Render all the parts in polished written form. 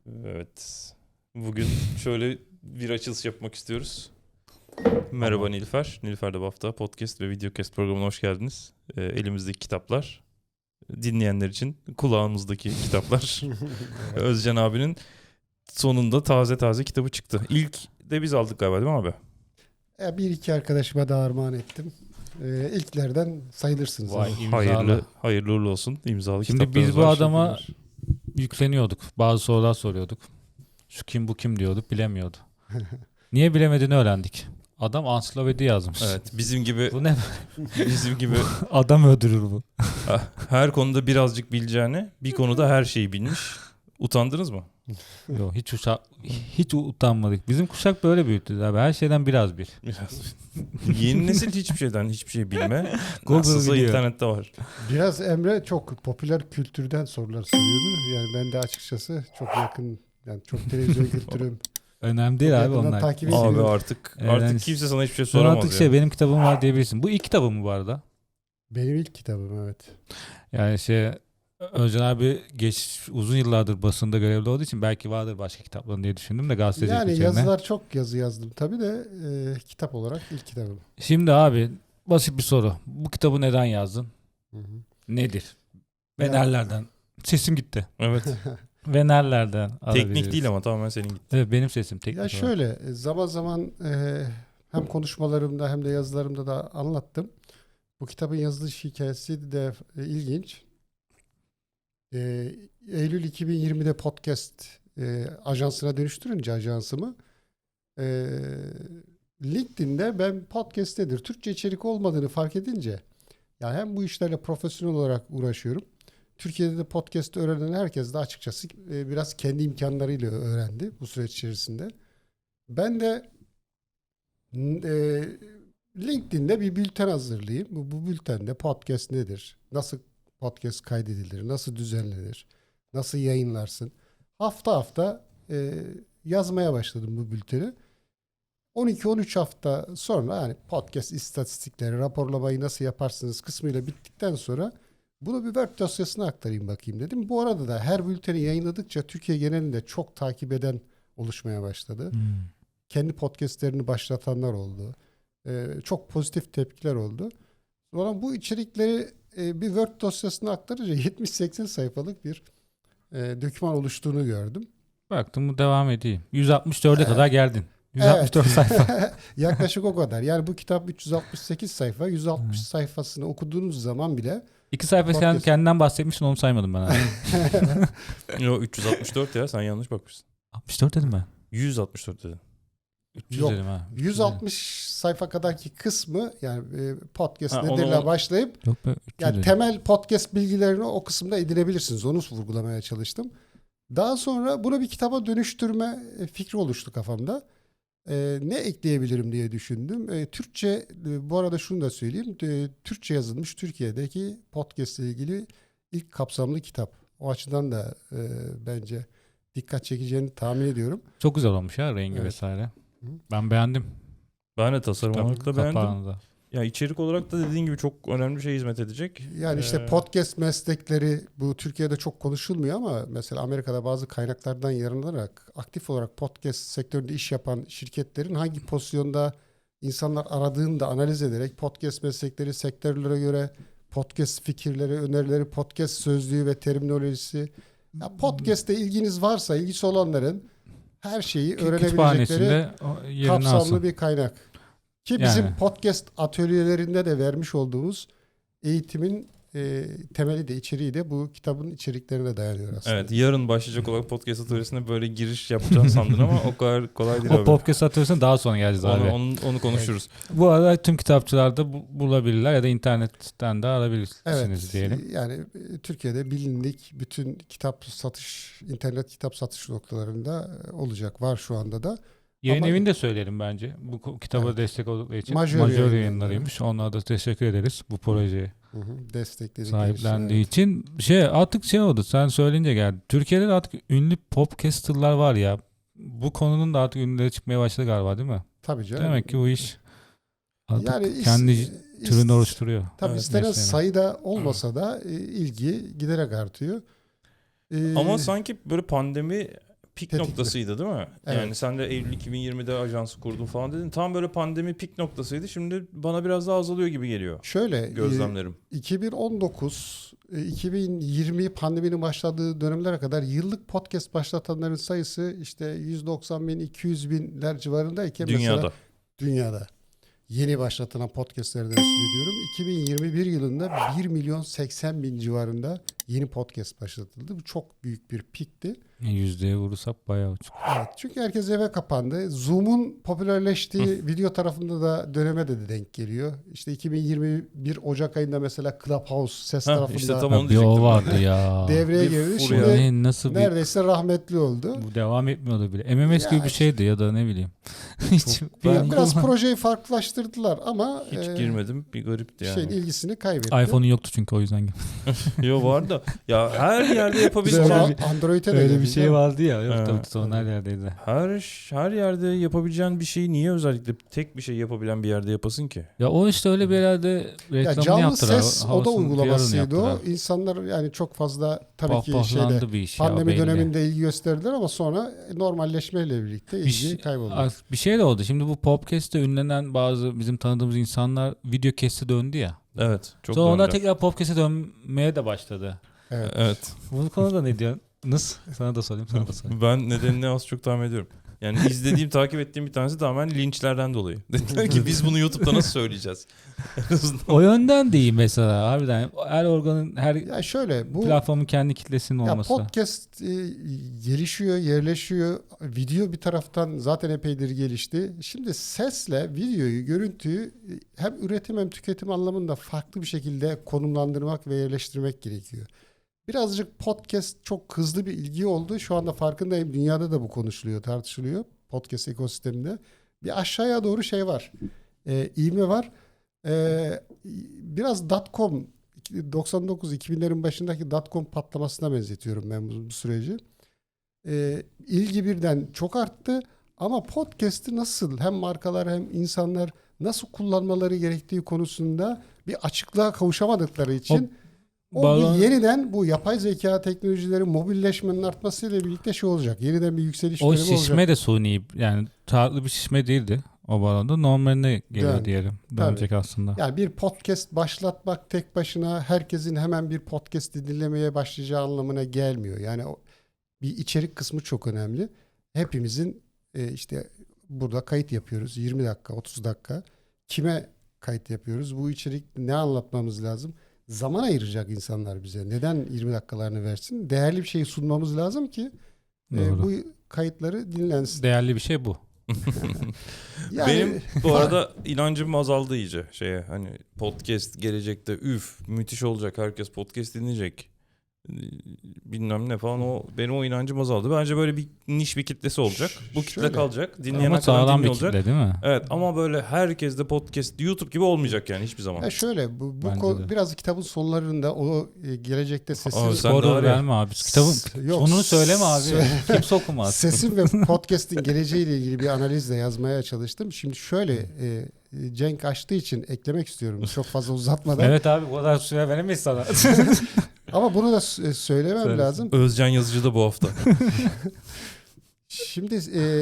Evet. Bugün şöyle bir açılış yapmak istiyoruz. Merhaba Tamam. Nilüfer. Nilüfer de bu hafta podcast ve videocast programına hoş geldiniz. Elimizdeki kitaplar, dinleyenler için kulağımızdaki kitaplar. Evet. Özcan abinin sonunda taze taze kitabı çıktı. İlk de biz aldık galiba, değil mi abi? Bir iki arkadaşıma da armağan ettim. İlklerden sayılırsınız. Vay, Evet. Hayırlı, hayırlı uğurlu olsun. İmzalı Şimdi kitaplarımız biz bu var. adama yükleniyorduk. Bazı sorular soruyorduk. Şu kim bu kim diyorduk, bilemiyordu. Niye bilemediğini öğrendik. Adam ansiklopedi yazmış. Evet, bizim gibi Bu ne? bizim gibi Adam öldürür bu. her konuda birazcık bileceğine bir konuda her şeyi bilmiş. Utandınız mı? Yok, hiç utanmadık. Bizim kuşak böyle büyüttü abi. Her şeyden biraz bir. Biraz. Yeni nesil hiçbir şey bilme. Google Nasılsa biliyor. internette var. Biraz Emre çok popüler kültürden sorular soruyordu. Yani ben de açıkçası çok yakın, yani çok televizyon kültürüm. Önemli değil Çok abi yakından onlar. takip Abi ediyorum. artık Yani kimse sana hiçbir şey Sonra soramaz artık ya. benim kitabım var diyebilirsin. Bu ilk kitabım mı bu arada? Benim ilk kitabım, evet. Yani Özcan abi uzun yıllardır basında görevli olduğu için belki vardır başka kitapların diye düşündüm de gazetecilik Yani üzerine. yazılar, çok yazı yazdım tabii de kitap olarak ilk kitabım. Şimdi abi basit bir soru. Bu kitabı neden yazdın? Hı hı. Nedir? Ve Ya- nerelerden? Sesim gitti. Evet. Ve nerelerden Teknik alabiliriz? değil ama tamamen senin gitti. Evet, benim sesim teknik Ya olarak. şöyle, zaman zaman hem konuşmalarımda hem de yazılarımda da anlattım. Bu kitabın yazılış hikayesi de ilginç. Eylül 2020'de podcast ajansına dönüştürünce ajansımı, LinkedIn'de ben podcast nedir, Türkçe içerik olmadığını fark edince, ya hem bu işlerle profesyonel olarak uğraşıyorum. Türkiye'de de podcast öğrenen herkes de açıkçası biraz kendi imkanlarıyla öğrendi bu süreç içerisinde. Ben de LinkedIn'de bir bülten hazırlayayım. Bu bültende podcast nedir? Nasıl podcast kaydedilir? Nasıl düzenlenir? Nasıl yayınlarsın? Hafta hafta yazmaya başladım bu bülteni. 12-13 hafta sonra, yani podcast istatistikleri, raporlamayı nasıl yaparsınız kısmıyla bittikten sonra bunu bir Word dosyasına aktarayım bakayım dedim. Bu arada da her bülteni yayınladıkça Türkiye genelinde çok takip eden oluşmaya başladı. Kendi podcastlerini başlatanlar oldu. Çok pozitif tepkiler oldu. Sonra bu içerikleri bir Word dosyasına aktarınca 70-80 sayfalık bir doküman oluştuğunu gördüm. Baktım bu devam edeyim. 164'e kadar geldin. 164 sayfa. Yaklaşık o kadar. Yani bu kitap 368 sayfa. 160 sayfasını okuduğunuz zaman bile 2 sayfa Podcast. kendinden bahsetmişsin, onu saymadım ben abi. Yo 364 ya, sen yanlış bakmışsın. 64 dedim ben. 164 dedin. 300 Yok, dedim ha. 160 sayfa kadarki kısmı, yani podcast Ha, nedirle onu- başlayıp Yok be, 300 yani dedim. temel podcast bilgilerini o kısımda edinebilirsiniz. Onu vurgulamaya çalıştım. Daha sonra bunu bir kitaba dönüştürme fikri oluştu kafamda. Ne ekleyebilirim diye düşündüm. Türkçe, bu arada şunu da söyleyeyim. Türkçe yazılmış Türkiye'deki podcast ile ilgili ilk kapsamlı kitap. O açıdan da bence dikkat çekeceğini tahmin ediyorum. Çok güzel olmuş ya, rengi Evet. vesaire. Hı. Ben beğendim. Ben de tasarım olarak da beğendim. Kapağını da. Ya içerik olarak da dediğin gibi çok önemli bir şey hizmet edecek. Yani işte Ee, podcast meslekleri bu Türkiye'de çok konuşulmuyor ama mesela Amerika'da bazı kaynaklardan yararlanarak aktif olarak podcast sektöründe iş yapan şirketlerin hangi pozisyonda insanlar aradığını da analiz ederek podcast meslekleri, sektörlere göre podcast fikirleri, önerileri, podcast sözlüğü ve terminolojisi. Ya podcast'te ilginiz varsa, ilgisi olanların her şeyi öğrenebilecekleri Kütüphanesinde yerini kapsamlı alsın. bir kaynak. Ki bizim Yani. podcast atölyelerinde de vermiş olduğumuz eğitimin temeli de, içeriği de bu kitabın içeriklerine dayanıyor aslında. Evet, yarın başlayacak olan podcast atölyesine böyle giriş yapacağını sandın ama o kadar kolay değil O abi. podcast atıyorsan daha sonra geleceğiz abi. Onu konuşuruz. Bu arada tüm kitapçılarda bulabilirler ya da internetten de alabilirsiniz Evet, diyelim. yani Türkiye'de bilindik bütün kitap satış, internet kitap satış noktalarında olacak, var şu anda da. Yayın Ama- evini de söyleyelim bence. Bu kitaba Evet. destek oldukları için. Majör Majör yayınları. yayınlarıymış. Onlara da teşekkür ederiz bu projeye Destekledikleri sahiplendiği için. için. Artık oldu. Sen söyleyince geldi. Türkiye'de de artık ünlü podcasterlar var ya. Bu konunun da artık ünlüleri çıkmaya başladı galiba, değil mi? Tabii canım. Demek ki bu iş artık Yani kendi türünü oluşturuyor. Tabii Evet, istenen mesleğine. sayıda olmasa da ilgi giderek artıyor. Ama sanki böyle pik Tetikli. noktasıydı değil mi? Evet. Yani sen de Eylül 2020'de ajansı kurdun falan dedin. Tam böyle pandemi pik noktasıydı. Şimdi bana biraz daha azalıyor gibi geliyor Şöyle gözlemlerim. 2019 2020 pandeminin başladığı dönemlere kadar yıllık podcast başlatanların sayısı işte 190 bin 200 binler civarındayken Dünyada. mesela dünyada yeni başlatılan podcastlerden söz ediyorum. 2021 yılında 1 milyon 80 bin civarında yeni podcast başlatıldı. Bu çok büyük bir pikti. Yüzdeye vurursak bayağı uçuk. Evet, çünkü herkes eve kapandı. Zoom'un popülerleştiği video tarafında da döneme de denk geliyor. İşte 2021 Ocak ayında mesela Clubhouse ses tarafında işte tam Ya onu bir o diyecektim. vardı ya. devreye Bir girdi. furya. Şimdi Ne, nasıl bir neredeyse rahmetli oldu. bu devam etmiyordu bile. MMS Ya gibi bir işte- şeydi ya da ne bileyim. Hiç Biraz projeyi farklılaştırdılar ama Hiç girmedim. Bir garipti yani. şeyin ilgisini kaybetti. iPhone'un yoktu çünkü o yüzden. Yo var da. Ya her yerde Sonra yapabileceğin Android'e de Öyle bir geldi, şey değil mi? vardı ya. Yok Ha. tabii sonra her yerdeydi. her yerde yapabileceğin bir şeyi niye özellikle tek bir şey yapabilen bir yerde yapasın ki? Ya o işte öyle bir herhalde Ya reklamını canlı yaptılar. ses oda havasını, uygulamasıydı PR'ını o. yaptılar. İnsanlar yani çok fazla tabii ki şeyde Pohpohlandı bir iş ya, pandemi belli. döneminde ilgi gösterdiler ama sonra normalleşmeyle birlikte ilgi kayboldu. Bir şey de oldu. Şimdi bu podcast'te ünlenen bazı bizim tanıdığımız insanlar video kesti döndü ya. Evet. Çok Sonra onlar döndü. tekrar podcast'e dönmeye de başladı. Evet. Evet. Bu konuda ne diyorsunuz? Sana da sorayım, sana da sorayım. Ben nedenini az çok tahmin ediyorum. Yani izlediğim, takip ettiğim bir tanesi tamamen linçlerden dolayı. Dediler ki biz bunu YouTube'da nasıl söyleyeceğiz? En azından. O yönden değil mesela harbiden. Her organın, her Ya şöyle bu platformun kendi kitlesinin ya olması. podcast gelişiyor, yerleşiyor. Video bir taraftan zaten epeydir gelişti. Şimdi sesle videoyu, görüntüyü hem üretim hem tüketim anlamında farklı bir şekilde konumlandırmak ve yerleştirmek gerekiyor. Birazcık podcast çok hızlı bir ilgi oldu. Şu anda farkındayım. Dünyada da bu konuşuluyor, tartışılıyor. Podcast ekosisteminde. Bir aşağıya doğru şey var. İğme var. Biraz .com 99-2000'lerin başındaki .com patlamasına benzetiyorum ben bu süreci. İlgi birden çok arttı. Ama podcast'i nasıl hem markalar hem insanlar nasıl kullanmaları gerektiği konusunda bir açıklığa kavuşamadıkları için Bağlan- yeniden bu yapay zeka teknolojileri mobilleşmenin artmasıyla birlikte şey olacak. Yeniden bir yükseliş O dönemi olacak. şişme de suni, yani tatlı bir şişme değildi o bağlamda. Normaline geliyor Dön. diyelim. Dönecek aslında. Yani bir podcast başlatmak tek başına herkesin hemen bir podcast dinlemeye başlayacağı anlamına gelmiyor. Yani bir içerik kısmı çok önemli. Hepimizin işte burada kayıt yapıyoruz. 20 dakika, 30 dakika. Kime kayıt yapıyoruz? Bu içerik ne anlatmamız lazım? Zaman ayıracak insanlar bize. Neden 20 dakikalarını versin? Değerli bir şey sunmamız lazım ki Doğru. bu kayıtları dinlensin. Değerli bir şey bu. Yani Benim bu arada inancım azaldı iyice şeye. Hani podcast gelecekte müthiş olacak. Herkes podcast dinleyecek. Bilmem ne falan, benim o inancım azaldı. Bence böyle bir niş bir kitlesi olacak. Bu kitle Şöyle. kalacak. Dinleyene Ama kadar sağlam bir dinliyor olacak. kitle değil mi? Evet ama böyle herkes de podcast YouTube gibi olmayacak yani hiçbir zaman. ya şöyle bu Bence de. biraz kitabın sonlarında o gelecekte Sen sesin de Spoiler var ya. verme abi. Kitabın Yok, sonunu söyleme abi. Kimse okumaz. sesin ve podcast'in geleceğiyle ilgili bir analizle yazmaya çalıştım. Şimdi şöyle Cenk açtığı için eklemek istiyorum çok fazla uzatmadan. Evet abi, bu kadar süre veremeyiz sana. Ama bunu da söylemem Söylesin. lazım. Özcan Yazıcı da bu hafta. Şimdi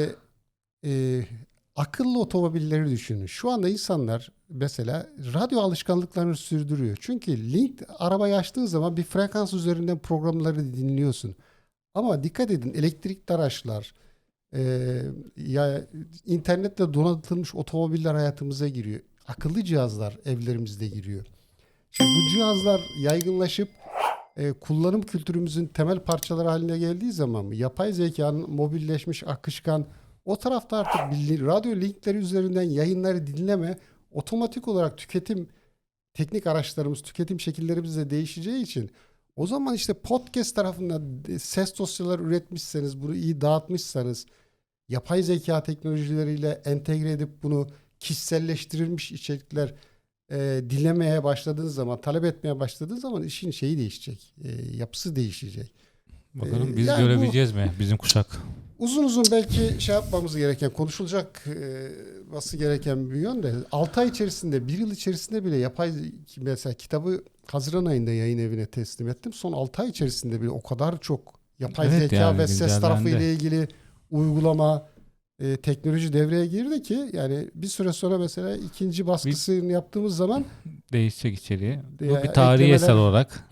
akıllı otomobilleri düşünün. Şu anda insanlar mesela radyo alışkanlıklarını sürdürüyor. Çünkü arabayı açtığın zaman bir frekans üzerinden programları dinliyorsun. Ama dikkat edin, elektrikli araçlar, ya internetle donatılmış otomobiller hayatımıza giriyor. Akıllı cihazlar evlerimizde giriyor. Şimdi bu cihazlar yaygınlaşıp kullanım kültürümüzün temel parçaları haline geldiği zaman mı? Yapay zekanın mobilleşmiş, akışkan, o tarafta artık radyo linkleri üzerinden yayınları dinleme, otomatik olarak teknik araçlarımız, tüketim şekillerimiz de değişeceği için o zaman işte podcast tarafında ses dosyaları üretmişseniz, bunu iyi dağıtmışsanız, yapay zeka teknolojileriyle entegre edip bunu kişiselleştirilmiş içerikler dinlemeye başladığınız zaman, talep etmeye başladığınız zaman işin şeyi değişecek, yapısı değişecek. Bakalım biz yani görebileceğiz mi bizim kuşak? Uzun uzun belki şey yapmamız gereken, konuşulması gereken bir yön de 6 ay içerisinde, 1 yıl içerisinde bile mesela kitabı Haziran ayında yayın evine teslim ettim. Son 6 ay içerisinde bile o kadar çok yapay Evet, zeka yani ve ses güncellendi. tarafı ile ilgili uygulama, teknoloji devreye girdi ki yani bir süre sonra mesela ikinci baskısını yaptığımız zaman Değişecek içeriği. Bu Ya, bir tarihi eklemeler- eser olarak.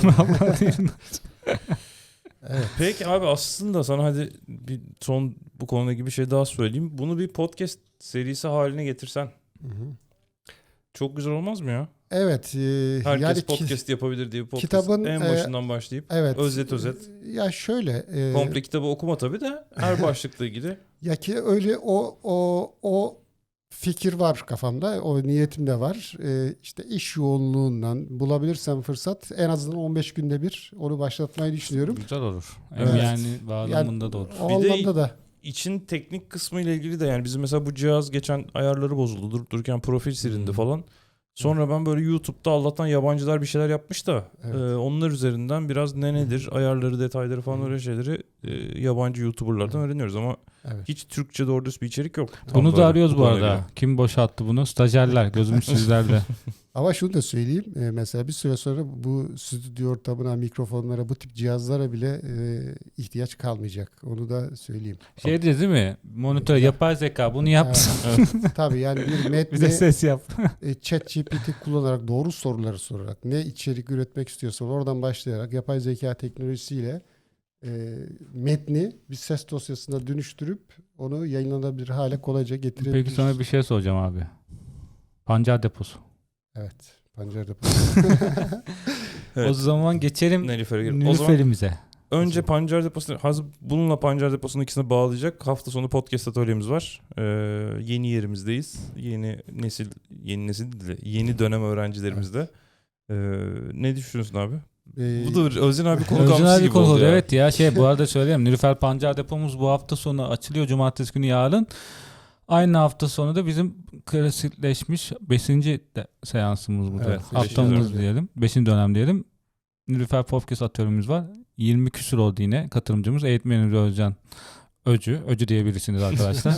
evet. Peki abi aslında sana hadi bir son bu konuyla ilgili bir şey daha söyleyeyim. Bunu bir podcast serisi haline getirsen Hı hı. çok güzel olmaz mı ya? Evet. Herkes Yani podcast yapabilir diye bir podcast kitabın, en başından başlayıp evet. özet. Ya şöyle. Komple kitabı okuma tabii de her başlıkla ilgili. Ya ki öyle o fikir var kafamda. O niyetim de var. İşte iş yoğunluğundan bulabilirsem fırsat en azından 15 günde bir onu başlatmayı düşünüyorum. Güzel olur. Hem Evet. yani bağlamında da olur. O Bir de- anlamda da. İçin teknik kısmı ile ilgili de yani bizim mesela bu cihaz geçen ayarları bozuldu. Durup dururken profil silindi falan. Sonra ben böyle YouTube'da Allah'tan yabancılar bir şeyler yapmış da Evet. onlar üzerinden biraz nedir ayarları, detayları falan öyle şeyleri yabancı YouTuber'lardan öğreniyoruz ama Evet. hiç Türkçe doğru düz bir içerik yok. Tam Bunu böyle da arıyoruz bu konuyla arada. ilgili. Kim boşalttı bunu? Stajyerler. Gözümüz sizlerde. Ama şunu da söyleyeyim. Mesela bir süre sonra bu stüdyo ortamına, mikrofonlara, bu tip cihazlara bile ihtiyaç kalmayacak. Onu da söyleyeyim. Şey diyeceğiz değil mi? Monitör, yapay zeka bunu yap. Evet. Tabii yani bir Bize metni ses yap. ChatGPT kullanarak doğru soruları sorarak ne içerik üretmek istiyorsan oradan başlayarak yapay zeka teknolojisiyle metni bir ses dosyasına dönüştürüp onu yayınlanabilir hale kolayca getirebiliriz. Peki sana bir şey soracağım abi. Pancar deposu. Evet. Pancarda. Evet. O zaman geçelim Nilüfer'e girelim. O zaman Nilüfer'imize. önce Pancar Deposu'nu bununla Pancar Deposu'nun ikisini bağlayacak. Hafta sonu podcast atölyemiz var. Yeni yerimizdeyiz. Yeni nesil değil de yeni dönem öğrencilerimizde. Ne düşünüyorsun abi? Bu da Özcan abi konu Özcan kamçısı abi gibi konu oldu oldu. ya. Evet ya bu arada söyleyeyim. Nilüfer Pancar depomuz bu hafta sonu açılıyor. Cumartesi günü yarın. Aynı hafta sonu da bizim klasikleşmiş 5. seansımız bu da. Evet, Haftamız dönem. diyelim. 5. dönem diyelim. Nilüfer Podcast atölyemiz var. 20 küsur oldu yine katılımcımız. Eğitmenimiz Özcan Öcü diyebilirsiniz arkadaşlar.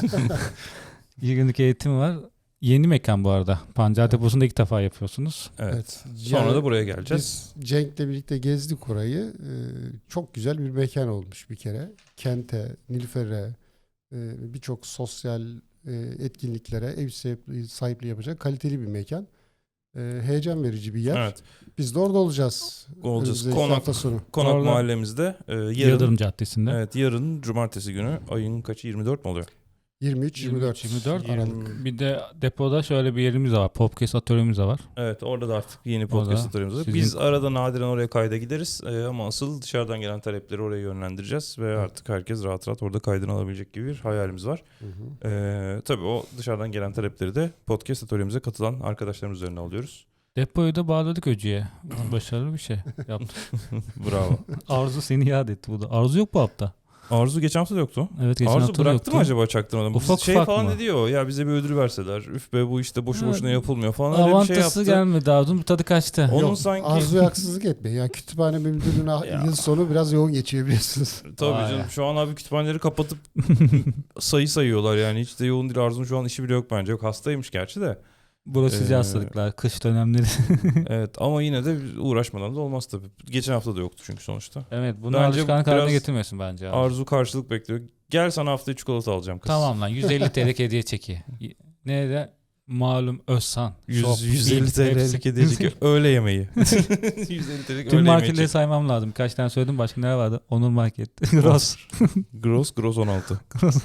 2 günlük eğitim var. Yeni mekan bu arada. Pancar Deposu'nda ilk defa yapıyorsunuz. Evet. Sonra Yani da buraya geleceğiz. biz Cenk'le birlikte gezdik orayı. Çok güzel bir mekan olmuş bir kere. Kente, Nilüfer'e, birçok sosyal etkinliklere ev sahipliği yapacak kaliteli bir mekan. Heyecan verici bir yer. Evet. Biz de orada olacağız. Olacağız. Önümüzdeki hafta sonu. Konak Orada- mahallemizde yarın Yıldırım Caddesi'nde. evet yarın cumartesi günü ayın kaçı 24 mu oluyor? 23-24 24 Aralık. Bir de depoda şöyle bir yerimiz de var. Podcast atölyemiz de var. Evet orada da artık yeni podcast Orada atölyemiz var. sizin- Biz arada nadiren oraya kayda gideriz ama asıl dışarıdan gelen talepleri oraya yönlendireceğiz ve artık herkes rahat rahat orada kaydını alabilecek gibi bir hayalimiz var. Hı hı. Tabii o dışarıdan gelen talepleri de podcast atölyemize katılan arkadaşlarımız üzerine alıyoruz. Depoyu da bağladık Öcü'ye. Başarılı bir şey yaptık. Bravo. Arzu seni yad etti bu da. Arzu yok bu hafta. Arzu geçen hafta da yoktu. Evet geçen Arzu hafta da bıraktı yoktu. mı acaba çaktırmadan? Ufak Şey ufak falan mı? ne diyor ya bize bir ödül verseler. Üf be bu işte boşu Evet. boşuna yapılmıyor falan öyle bir şey Avantası yaptı. gelmedi Arzu'nun tadı kaçtı. Onun Yok, sanki Arzu'ya haksızlık etmeyin. Yani kütüphane müdürlüğüne Ya. yıl sonu biraz yoğun geçiyor biliyorsunuz. tabii Vay. canım şu an abi kütüphaneleri kapatıp sayı sayıyorlar yani hiç de yoğun değil. Arzu'nun şu an işi bile yok bence. Yok hastaymış gerçi de. Bulaşıcı hastalıklar, kış dönemleri. Evet ama yine de uğraşmadan da olmaz tabii. Geçen hafta da yoktu çünkü sonuçta. Evet bunu Bence alışkanlık haline biraz getirmesin bence. Arzu. Arzu karşılık bekliyor. Gel sana haftaya çikolata alacağım kız. Tamam lan 150 TL hediye çeki. Nerede? Malum Özsan. Shop, 150 Big, TL'lik hepsi. edecek öğle yemeği. 150 TL'lik Tüm öğle yemeği. marketleri saymam lazım. Kaç tane söyledim başka neler vardı? Onur Market. Gross. Gross 16.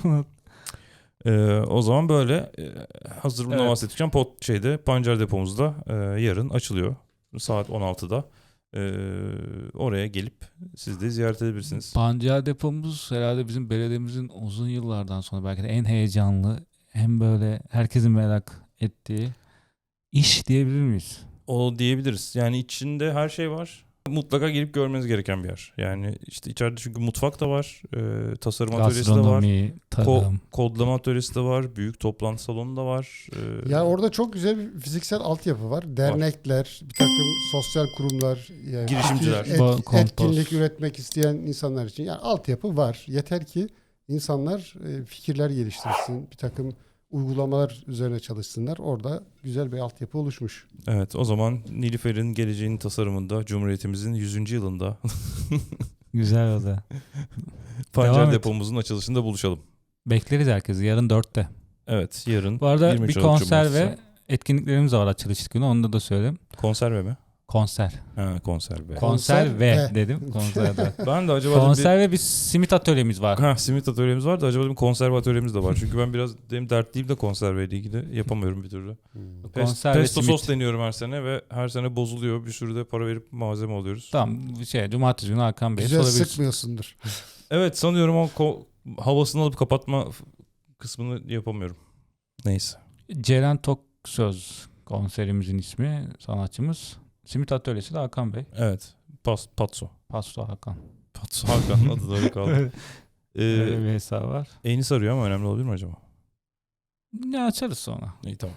O zaman böyle hazır bundan Evet. bahsetmişken Pancar depomuzda yarın açılıyor. Saat 16'da. Oraya gelip siz de ziyaret edebilirsiniz. Pancar depomuz herhalde bizim belediyemizin uzun yıllardan sonra belki de en heyecanlı, hem böyle herkesin merak ettiği iş diyebilir miyiz? O diyebiliriz. Yani içinde her şey var. Mutlaka gelip görmeniz gereken bir yer. Yani işte içeride çünkü mutfak da var. Tasarım atölyesi de var. Gastronomi, tarım. Kodlama atölyesi de var. Büyük toplantı salonu da var. Yani orada çok güzel bir fiziksel altyapı var. Dernekler, bir takım sosyal kurumlar, yani Girişimciler. fikir, Kompost. etkinlik üretmek isteyen insanlar için. Yani altyapı var. Yeter ki insanlar fikirler geliştirsin, bir takım uygulamalar üzerine çalışsınlar. Orada güzel bir altyapı oluşmuş. Evet o zaman Nilüfer'in geleceğinin tasarımında Cumhuriyetimizin 100. yılında Güzel oldu. Pancar Devam et. depomuzun açılışında buluşalım. Bekleriz herkesi. Yarın 4'te. Evet, yarın Bu arada 23 bir Aralık konser Cumartesi. ve etkinliklerimiz var açılış günü. Onu da söyleyeyim. Konserve mi? Konser. Ha, konserve. Konser ve ve. dedim. Konserde. Ben de acaba dedim Konser ve bir simit atölyemiz var. bir simit atölyemiz var da acaba dedim konserve atölyemiz de var. Çünkü ben biraz benim dertliyim de konserveyle ilgili yapamıyorum bir türlü. Konser ve Pesto simit. sos deniyorum her sene ve her sene bozuluyor. Bir sürü de para verip malzeme alıyoruz. Tamam cumartesi günü Hakan Bey'e Güzel sorabilirsin. sıkmıyorsundur. Evet, sanıyorum o havasını alıp kapatma kısmını yapamıyorum. Neyse. Ceren Toksöz konserimizin ismi, sanatçımız. Simit Atölyesi de Hakan Bey. Evet. Patso. Pasto Hakan. Patso Hakan'ın adı da öyle kaldı. Öyle bir hesabı var. Enis arıyor ama önemli olabilir mi acaba? Ne açarız sonra. İyi, tamam.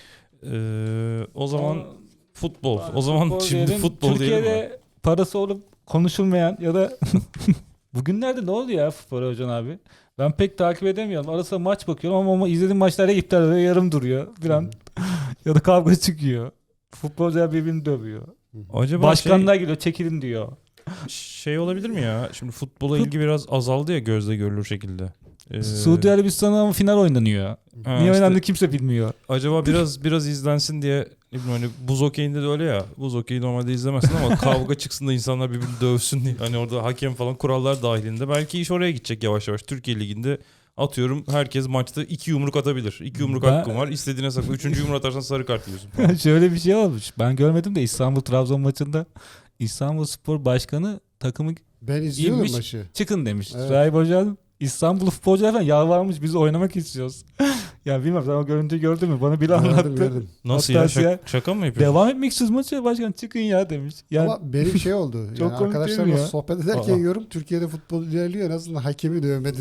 O zaman futbol. O zaman şimdi diyelim. futbol diyelim mi? Türkiye'de parası olup konuşulmayan ya da bugünlerde ne oldu ya futbol Hocam abi? Ben pek takip edemiyorum. Arasında maç bakıyorum ama izlediğim maçlarda iptal oluyor, yarım duruyor falan. Ya da kavga çıkıyor. Futbolcular birbirini dövüyor. Acaba Başkanlar geliyor, çekilin diyor. şey olabilir mi ya? Şimdi futbola ilgi biraz azaldı ya gözle görülür şekilde. Suudi Arabistan'da ama final oynanıyor. Ha, Niye işte oynandı kimse bilmiyor. acaba biraz izlensin diye, ne bileyim, hani buz okeyinde de öyle ya. Buz okeyi normalde izlemezsin ama kavga çıksın da insanlar birbirini dövsün diye. Hani orada hakem falan kurallar dahilinde. Belki iş oraya gidecek yavaş yavaş. Türkiye Ligi'nde atıyorum herkes maçta 2 yumruk atabilir. 2 yumruk Ben- hakkın var. İstediğine sakla. 3. yumruk atarsan sarı kart yiyorsun. Şöyle bir şey olmuş. Ben görmedim de İstanbul-Trabzon maçında İstanbulspor Başkanı takımı Ben izliyorum İyiymiş. maçı. çıkın demiş. Evet. Rahip Hocam İstanbul futbolcular falan yalvarmış, biz oynamak istiyoruz. Ya bilmiyorum, sen o görüntüyü gördün mü? Bana biri anlattı. Gördüm. Nasıl Hatta ya? ya- Şaka mı yapıyorsun? Devam etmek istiyoruz maça, başkan çıkın ya demiş. Yani Ama benim şey oldu. Çok Yani komik değil mi arkadaşlarımla ya? sohbet ederken Aa. yorum Türkiye'de futbol ilerliyor. En azından hakemi dövmedi.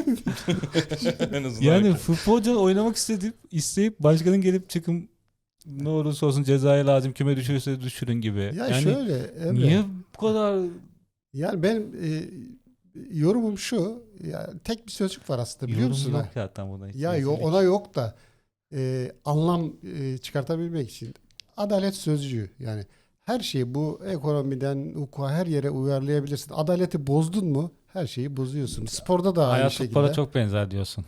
En azından yani futbolcular oynamak isteyip başkanın gelip çıkın, ne olursa olsun cezaya lazım, küme düşürürse düşürün gibi. ya yani şöyle Emre. niye bu kadar Yani benim yorumum şu. Ya tek bir sözcük var aslında, biliyor yorum musun? yok ha? zaten buna. hiç. Ya Rezillik. ona yok da anlam çıkartabilmek için adalet sözcüğü, yani her şeyi bu ekonomiden hukuka her yere uyarlayabilirsin. Adaleti bozdun mu her şeyi bozuyorsun. Sporda da aynı Hayat şekilde. futbola çok benzer diyorsun.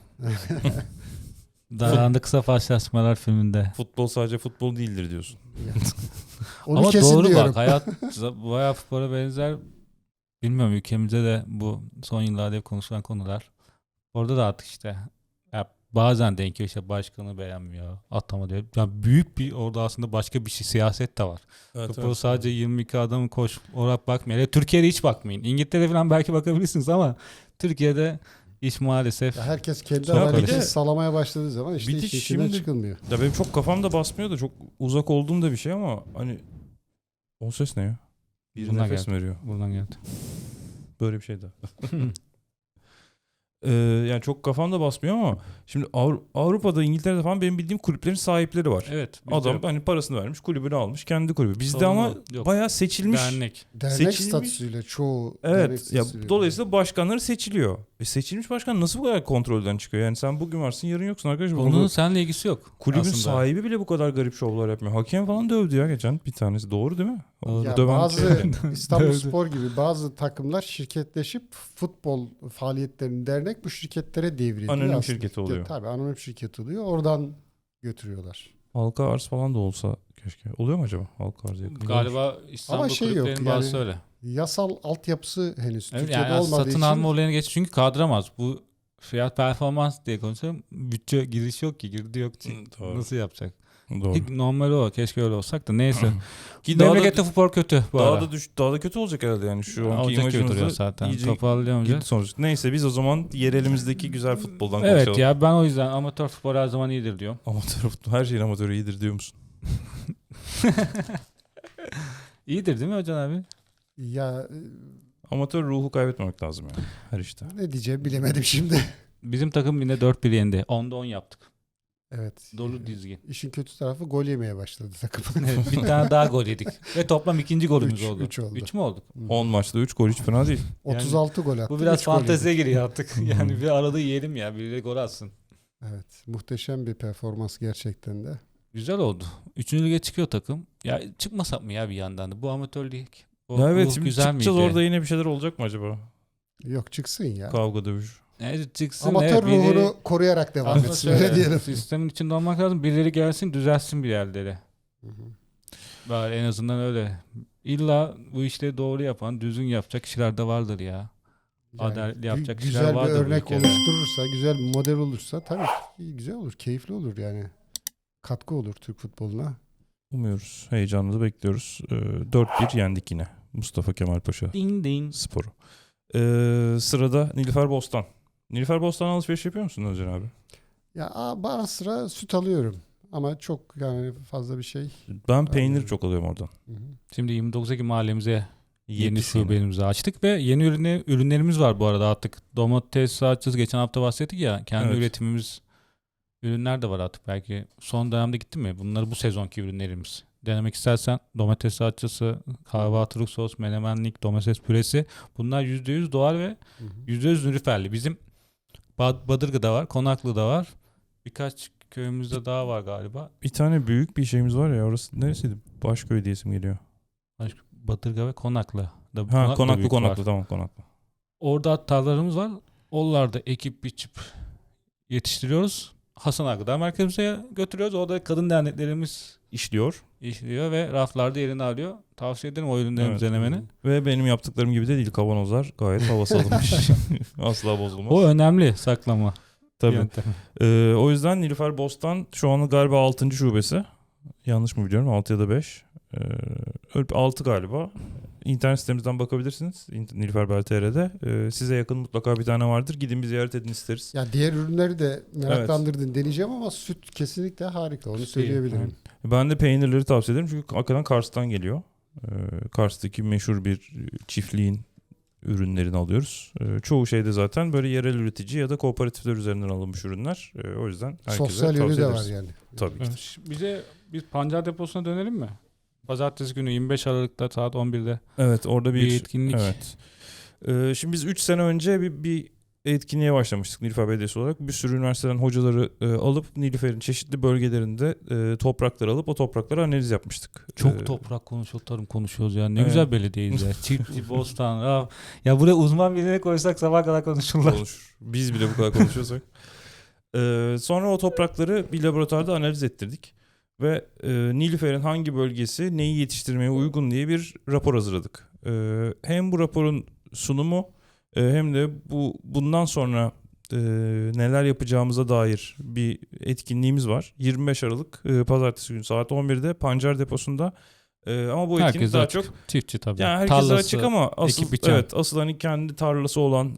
Daranda kısa paslaşmalar filminde. futbol sadece futbol değildir diyorsun. Onu Ama kesin doğru diyorum. bak, hayat bayağı futbola benzer. Bilmiyorum, ülkemizde de bu son yıllarda hep konuşulan konular. Orada da artık işte ya bazen denk geliyor, işte başkanı beğenmiyor, atama diyor. Ya büyük bir orada aslında başka bir şey, siyaset de var. Futbol sadece 22 adamın koş olarak bakmayın. Ya Türkiye'de hiç bakmayın. İngiltere falan belki bakabilirsiniz ama Türkiye'de iş maalesef. Ya herkes kendi Ya bir adaletini de- sağlamaya başladığı zaman işte bir de işin içinden şimdi- çıkılmıyor. Ya benim çok kafamda basmıyor da çok uzak olduğum da bir şey ama hani o ses ne ya? Bir Bundan nefes geldi. mi veriyor? Buradan geldi. Böyle bir şey de. Yani çok kafamda basmıyor ama şimdi Avrupa'da, İngiltere'de falan benim bildiğim kulüplerin sahipleri var. Evet. bizde Adam yok. hani parasını vermiş, kulübünü almış, kendi kulübü. Bizde Sorun ama yok. bayağı seçilmiş. Dernek. Dernek Seçilmiş- statüsüyle çoğu dernek Evet. Ya statüsüyle. dolayısıyla başkanları seçiliyor. Seçilmiş başkan nasıl bu kadar kontrolden çıkıyor? Yani sen bugün varsın, yarın yoksun arkadaşım. Bunun seninle ilgisi yok. Kulübün aslında. sahibi bile bu kadar garip şovlar yapmıyor. Hakem falan dövdü ya geçen bir tanesi. Doğru değil mi? O Ya döven bazı şey- İstanbulspor gibi bazı takımlar şirketleşip futbol faaliyetlerini dernek bu şirketlere devrediyor. Anonim aslında. şirketi oluyor. Tabii anonim şirket oluyor. Oradan götürüyorlar. halka arz falan da olsa keşke. Oluyor mu acaba halka arz yakın? Galiba İstanbul Ama şey yok, kulüplerinin bazısı yani öyle. Yasal altyapısı henüz Evet, Türkiye'de yani olmadığı satın için alma olayını geç, çünkü kaldıramaz. Bu fiyat performans diye konuşuyorum. Bütçe giriş yok ki, girdi yok ki. Doğru. Nasıl yapacak? Doğru. Normal o. Keşke öyle olsak da neyse. Ki daha Memlekette da, futbol kötü bu ara. daha da kötü olacak herhalde yani şu anki Olacak gibi duruyor imajımızda zaten. iyice Toparlayamayacak. gitti sonuç. Neyse biz o zaman yerelimizdeki güzel futboldan Evet konuşalım. ya, ben o yüzden amatör futbol her zaman iyidir diyorum. Amatör futbol, her şeyin amatörü iyidir diyor musun? İyidir değil mi Hocam abi? ya Amatör ruhu kaybetmemek lazım yani her işte. ne diyeceğim bilemedim şimdi. Bizim takım yine 4-1 yendi. 10'da 10 yaptık. Evet. Dolu dizgin. İşin kötü tarafı gol yemeye başladı takım. Evet, bir tane daha gol yedik. Ve toplam ikinci golümüz oldu. 3 oldu. 3 mü olduk? 10 maçta 3 gol hiç fena değil. 36 gol attı. Bu biraz 3 gol fanteziye yedik. giriyor artık. Yani bir arada yiyelim ya. Birileri gol atsın. Evet. Muhteşem bir performans gerçekten de. Güzel oldu. 3. lige çıkıyor takım. Ya çıkmasak mı ya bir yandan da? Bu amatör lig O Ya evet ruh şimdi güzel çıkacağız miydi? orada yine bir şeyler olacak mı acaba? Yok çıksın ya. Kavga dövüş. Evet, çıksın. Amatör evet, biri- ruhunu koruyarak devam Aslında etsin. şöyle, Öyle diyelim. sistemin içinde olmak lazım. Birileri gelsin düzelsin bir yerleri. Hı hı. Bari en azından öyle. İlla bu işleri doğru yapan, düzgün yapacak kişiler de vardır ya. Adaletli yapacak kişiler güzel bir vardır bu örnek ülkede. oluşturursa, güzel bir model olursa tabii ki güzel olur, keyifli olur yani. Katkı olur Türk futboluna. Umuyoruz. Heyecanla bekliyoruz. 4-1 yendik yine. Mustafa Kemal Paşa Ding ding. Sporu. Sırada Nilüfer Bostan. Nilüfer Bostan alışveriş yapıyor musun Özcan abi? Ya ara sıra süt alıyorum ama çok yani fazla bir şey. Ben peynir Anladım. çok alıyorum oradan. Hı hı. Şimdi 29 Ekim mahallemize yeni Yepyeni. şubemizi açtık ve yeni ürünlerimiz var bu arada artık. Domates salçası geçen hafta bahsettik ya. Kendi Evet. üretimimiz ürünler de var artık belki. Son dönemde gitti mi? Bunlar bu sezonki ürünlerimiz. Denemek istersen domates salçası, kahvaltılık sos, menemenlik, domates püresi. Bunlar %100 doğal ve Hı hı. %100 nülüferli. Bizim Badırga'da var, Konaklı'da var. Birkaç köyümüzde daha var galiba. Bir tane büyük bir şeyimiz var ya, orası neresiydi? Başköy diye isim geliyor. Badırga ve Konaklı. Ha, Konaklı büyük Konaklı var. tamam, Konaklı. Orada tarlalarımız var. Oralarda ekip biçip yetiştiriyoruz. Hasan Ağa Gıda Merkezimize götürüyoruz. Orada kadın derneklerimiz İşliyor. işliyor ve raflarda yerini alıyor. Tavsiye ederim o ürünlerimizi Evet. denemeni. Ve benim yaptıklarım gibi de değil, kavanozlar gayet havası alınmış. Asla bozulmaz. O önemli saklama Tabii. yöntemi. O yüzden Nilüfer Bostan şu an galiba 6. şubesi. Yanlış mı biliyorum? 6 ya da 5. 6 galiba. İnternet sitemizden bakabilirsiniz. Nilüfer Bel.tr'de. Size yakın mutlaka bir tane vardır. Gidin bir ziyaret edin isteriz. Ya diğer ürünleri de meraklandırdın deneyeceğim ama süt kesinlikle harika. Onu söyleyebilirim. Ben de peynirleri tavsiye ederim. Çünkü hakikaten Kars'tan geliyor. Kars'taki meşhur bir çiftliğin ürünlerini alıyoruz. Çoğu şeyde zaten böyle yerel üretici ya da kooperatifler üzerinden alınmış ürünler. O yüzden herkese Sosyal tavsiye yönü de ederiz. var yani. Tabii ki. Bize bir pancar deposuna dönelim mi? Pazartesi günü 25 Aralık'ta saat 11'de Evet, orada bir etkinlik. Evet. Şimdi biz 3 sene önce bir etkinliğe başlamıştık Nilüfer Belediyesi olarak. Bir sürü üniversiteden hocaları alıp Nilüfer'in çeşitli bölgelerinde toprakları alıp o topraklara analiz yapmıştık. Çok toprak konuşuyor, tarım konuşuyoruz ya. Ne Evet. güzel belediyeyiz ya. Çiftçi, bostan. Ya buraya uzman birine koysak sabah kadar konuşurlar. Olur. Biz bile bu kadar konuşuyorsak. Sonra o toprakları bir laboratuvarda analiz ettirdik. Ve Nilüfer'in hangi bölgesi neyi yetiştirmeye uygun diye bir rapor hazırladık. Hem bu raporun sunumu hem de bundan sonra neler yapacağımıza dair bir etkinliğimiz var. 25 Aralık Pazartesi günü saat 11'de Pancar Deposu'nda. Ama bu etkinlik Herkes daha açık. çok Çiftçi tabii. yani herkese Tarlası, açık ama asıl ekip biçen. evet, asıl hani kendi tarlası olan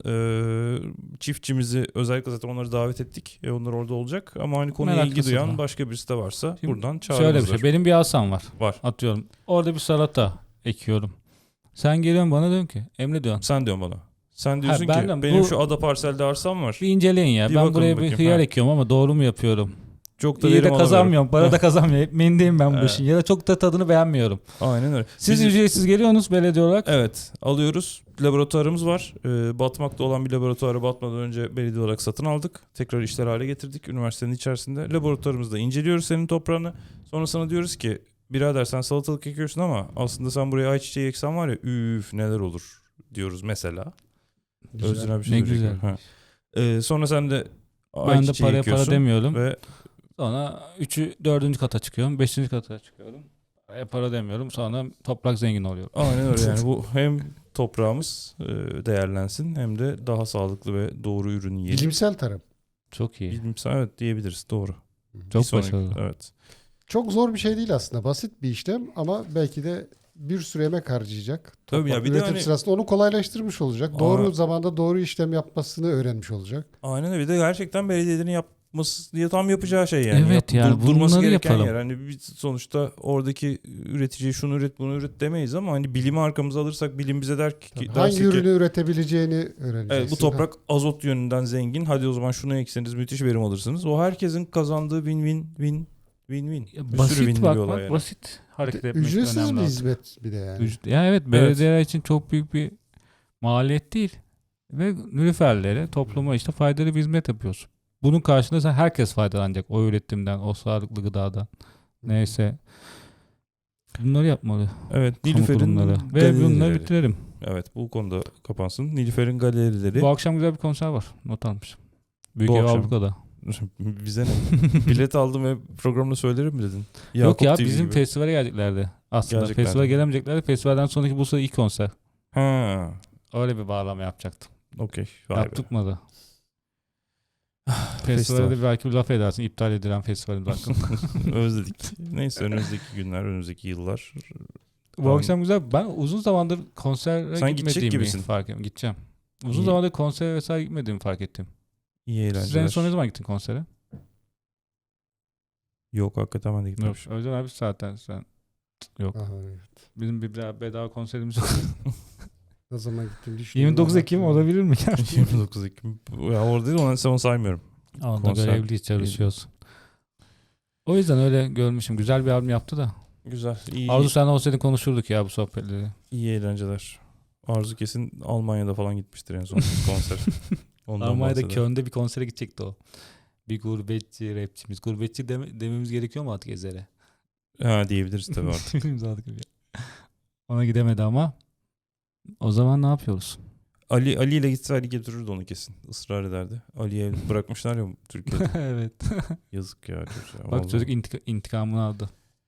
çiftçimizi özellikle zaten onları davet ettik. Onlar orada olacak ama hani konuya ilgi Meraklısı duyan da. başka birisi de varsa Şimdi buradan Şöyle çağırırızlar. bir şey. Benim bir asam var. Var. Atıyorum. Orada bir salata ekiyorum. Sen geliyorsun bana diyorsun ki Emre diyorsun. Sen diyorsun bana. Sen diyorsun Ha, ki ben de benim bu- şu ada parselde arsam var. Bir inceleyin ya. Bir Ben bakalım buraya bir bakayım. hıyar Ha. ekiyorum ama doğru mu yapıyorum? Çok da İyi verim de alamıyorum. kazanmıyorum. Para da kazanmıyorum. Ekmeğindeyim ben bu Evet. işin. Ya da çok da tadını beğenmiyorum. Aynen öyle. Siz Biz- ücretsiz geliyorsunuz belediye olarak. Evet, alıyoruz. Laboratuvarımız var. Batmakta olan bir laboratuvarı batmadan önce belediye olarak satın aldık. Tekrar işler hale getirdik üniversitenin içerisinde. Laboratuvarımızda inceliyoruz senin toprağını. Sonra sana diyoruz ki birader sen salatalık ekiyorsun ama aslında sen buraya ayçiçeği eksen var ya üf neler olur diyoruz mesela. Güzel. Özgün abi bir Ne şey güzel. söyleyecek. Ha. Sonra sen de Ben de ayçiçeği para ekiyorsun demiyorum. ve Sonra 4. kata çıkıyorum. 5. kata çıkıyorum. Para demiyorum. Sonra toprak zengin oluyor. aynen öyle yani bu hem toprağımız değerlensin hem de daha sağlıklı ve doğru ürün yiyelim. Bilimsel tarım. Çok iyi. Bilimsel evet diyebiliriz doğru. Çok Bir sonraki- başarılı. Evet. Çok zor bir şey değil aslında. Basit bir işlem ama belki de bir sürü emek harcayacak. Tabii ya, Toprak bir de üretim hani- sırasında onu kolaylaştırmış olacak. Doğru zamanda doğru işlem yapmasını öğrenmiş olacak. Aynen öyle. Bir de gerçekten belediyelerin yapması diye tam yapacağı şey yani. Evet yani durması bunları gereken yapalım. yer. Hani biz sonuçta oradaki üreticiye şunu üret bunu üret demeyiz ama hani bilimi arkamıza alırsak bilim bize der ki Hangi dersin ki, ürünü üretebileceğini öğreneceksin. evet, bu toprak azot yönünden zengin. Hadi o zaman şunu ekseniz müthiş verim alırsınız. O herkesin kazandığı win-win. Ya Bir sürü basit winli bir bakmak, olay yani. basit hareket etmek Ücretsiz önemli. bir artık. hizmet bir de yani. Ya evet belediyeler için çok büyük bir maliyet değil. Ve nülüferlere, topluma işte faydalı bir hizmet yapıyorsun. Bunun karşılığında herkes faydalanacak. O üretimden, o sağlıklı gıdadan. Neyse. Bunları yapmalı. Evet, Kamu Nilüfer'in kurumları. Ve bunları galerileri. bitirelim. Evet, bu konuda kapansın. Nilüfer'in galerileri. Bu akşam güzel bir konser var. Not almışım. Büyük Bu Ev akşam. Avrupa'da. Bize ne? Bilet aldım ve programda söylerim mi dedin? Yok ya, Yakup TV bizim gibi. festivale geleceklerdi. Aslında Geleceklerdi. festivale gelemeyeceklerdi. Festivalden sonraki bu ilk konser. Ha, Öyle bir bağlama yapacaktım. okey. Vay be. Yaptıkmadı. Festival. Festivalde de belki bir laf edersin. İptal edilen festivalin hakkında. Özledik. Neyse, önümüzdeki günler, önümüzdeki yıllar. Bu akşam güzel. Ben uzun zamandır konsere Sen gidecek gitmediğimi gibisin. fark ettim. Gideceğim. Uzun İyi. zamandır konsere vesaire gitmediğimi fark ettim. İyi eğlenceler. Siz en son ne zaman gittin konsere? Yok, hakikaten ben de Yok. gitmemişim. Özcan abi zaten sen. Yok. Aha, evet. Bizim bir bedava konserimiz yok. Ne zaman gittim düşünüyorum. 29 Ekim olabilir mi? 29 Ekim. Ya orada değil, onu saymıyorum. Onda Konser. görevliyiz, çalışıyoruz. O yüzden öyle görmüşüm. Güzel bir albüm yaptı da. Güzel. İyi, Arzu sen olsaydın konuşurduk ya bu sohbetleri. iyi eğlenceler. Arzu kesin Almanya'da falan gitmiştir en son konser. Ondan Almanya'da bahseder. Köln'de bir konsere gidecekti o. Bir gurbetçi rapçimiz. Gurbetçi dememiz gerekiyor mu artık Ezer'e? Ha, diyebiliriz tabii artık. Bilmiyorum artık. Ona gidemedi ama. O zaman ne yapıyoruz? Ali ile gitse Ali götürürdü onu kesin. Israr ederdi. Ali'ye bırakmışlar ya Türkiye'de. Evet. Yazık ya. Çocuğa. Bak Vallahi. çocuk intikamını aldı.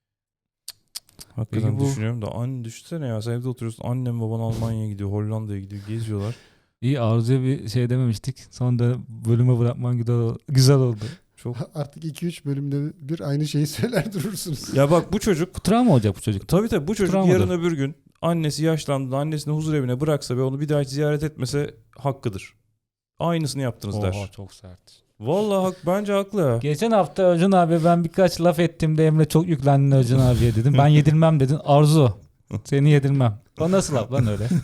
Hakikaten Peki bu- düşünüyorum da düşünsene ya, sen evde oturuyorsun, annem baban Almanya'ya gidiyor, Hollanda'ya gidiyor, geziyorlar. İyi, Arzu'ya bir şey dememiştik. Sonra da bölüme bırakman güzel oldu. Çok. Artık 2-3 bölümde bir aynı şeyi söyler durursunuz. Ya bak, bu çocuk Bu travma olacak bu çocuk. tabii bu çocuk Travmadır. yarın öbür gün annesi yaşlandığında annesini huzur evine bıraksa ve onu bir daha hiç ziyaret etmese hakkıdır. Aynısını yaptınız der. Oha, çok sert. Vallahi bence haklı ya. Geçen hafta Özcan abi ben birkaç laf ettim de Emre çok yüklendin Özcan abiye dedim. Ben yedirmem dedin. Arzu seni yedirmem. O nasıl laf lan öyle?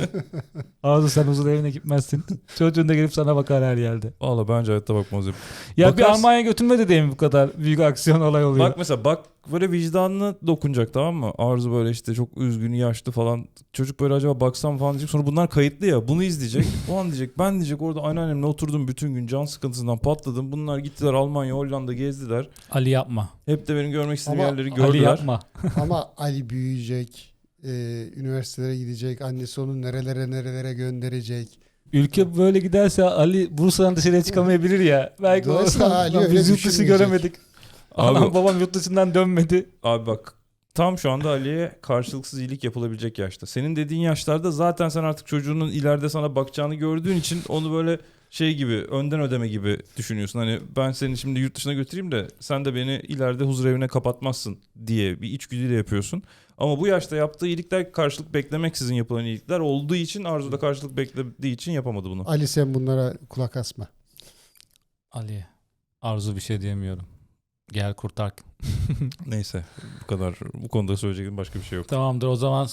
Arzu sen huzur evine gitmezsin. Çocuğun da gelip sana bakar her yerde. Vallahi bence hayatta bakmaz. Ya bir Bakarsın. Almanya götürmedi diye mi bu kadar büyük aksiyon olay oluyor? Bak mesela, böyle vicdanına dokunacak, tamam mı? Arzu böyle işte çok üzgün, yaşlı falan. Çocuk böyle acaba baksam falan diyecek. Sonra bunlar kayıtlı ya. Bunu izleyecek. O an diyecek, ben diyecek orada anneannemle oturdum bütün gün, can sıkıntısından patladım. Bunlar gittiler Almanya, Hollanda gezdiler. Ali yapma. Hep de benim görmek istediğim Ama yerleri Ali gördüler. yapma. Ama Ali büyüyecek, üniversitelere gidecek, annesi onu nerelere gönderecek. Ülke böyle giderse Ali Bursa'dan dışarıya çıkamayabilir ya. Belki Dolayısıyla Ali öyle biz yurt dışı düşünmeyecek. göremedik. Abi- Anam babam yurt dışından dönmedi. Abi bak, tam şu anda Ali'ye karşılıksız iyilik yapılabilecek yaşta. Senin dediğin yaşlarda zaten sen artık çocuğunun ileride sana bakacağını gördüğün için onu böyle şey gibi, önden ödeme gibi düşünüyorsun. Hani ben seni şimdi yurt dışına götüreyim de sen de beni ileride huzur evine kapatmazsın diye bir içgüdüyle yapıyorsun. Ama bu yaşta yaptığı iyilikler karşılık beklemeksizin yapılan iyilikler olduğu için, Arzu da karşılık beklediği için yapamadı bunu. Ali sen bunlara kulak asma. Ali. Arzu bir şey diyemiyorum. Gel kurtar. Neyse, bu kadar. Bu konuda söyleyeceğim başka bir şey yok. Tamamdır o zaman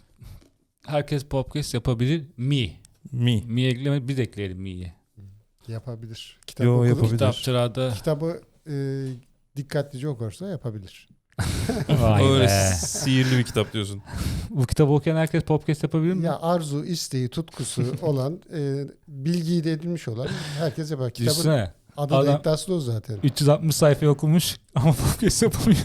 herkes podcast yapabilir mi? Mi? Mi ekleme biz ekleyelim mi'yi. Yapabilir. Kitap Yo, okudum. yapabilir. Kitapçılarda Kitabı dikkatlice okursa yapabilir. vay Öyle be. sihirli bir kitap diyorsun. Bu kitabı okuyan herkes podcast yapabilir mi? Ya arzu, isteği, tutkusu olan, bilgiyi de edinmiş olan herkes yapar. Kitabın Düşünsene. adı da Adam- iddiası o zaten. 360 sayfa okumuş ama podcast yapamıyor.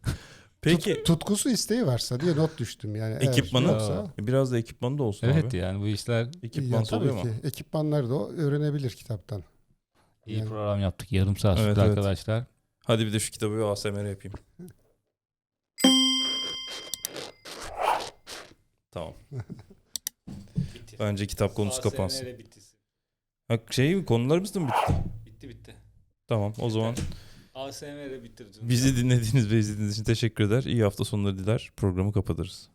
Peki Tutkusu, isteği varsa diye not düştüm yani. Eğer ekipmanı? yoksa- Biraz da ekipmanı da olsun Evet abi. yani bu işler Ekipman tabii oluyor mu? ki. Ekipmanları da o öğrenebilir kitaptan. iyi Yani- program yaptık. Yarım saat Evet, sürdü evet. arkadaşlar. Hadi bir de şu kitabı bir ASMR yapayım. Tamam. Bence kitap konusu kapansın. Ha, konularımız da mı bitti? Bitti. Tamam, o zaman ASMR'e bitirdim. bizi dinlediğiniz ve izlediğiniz için teşekkür eder. İyi hafta sonları diler. Programı kapatırız.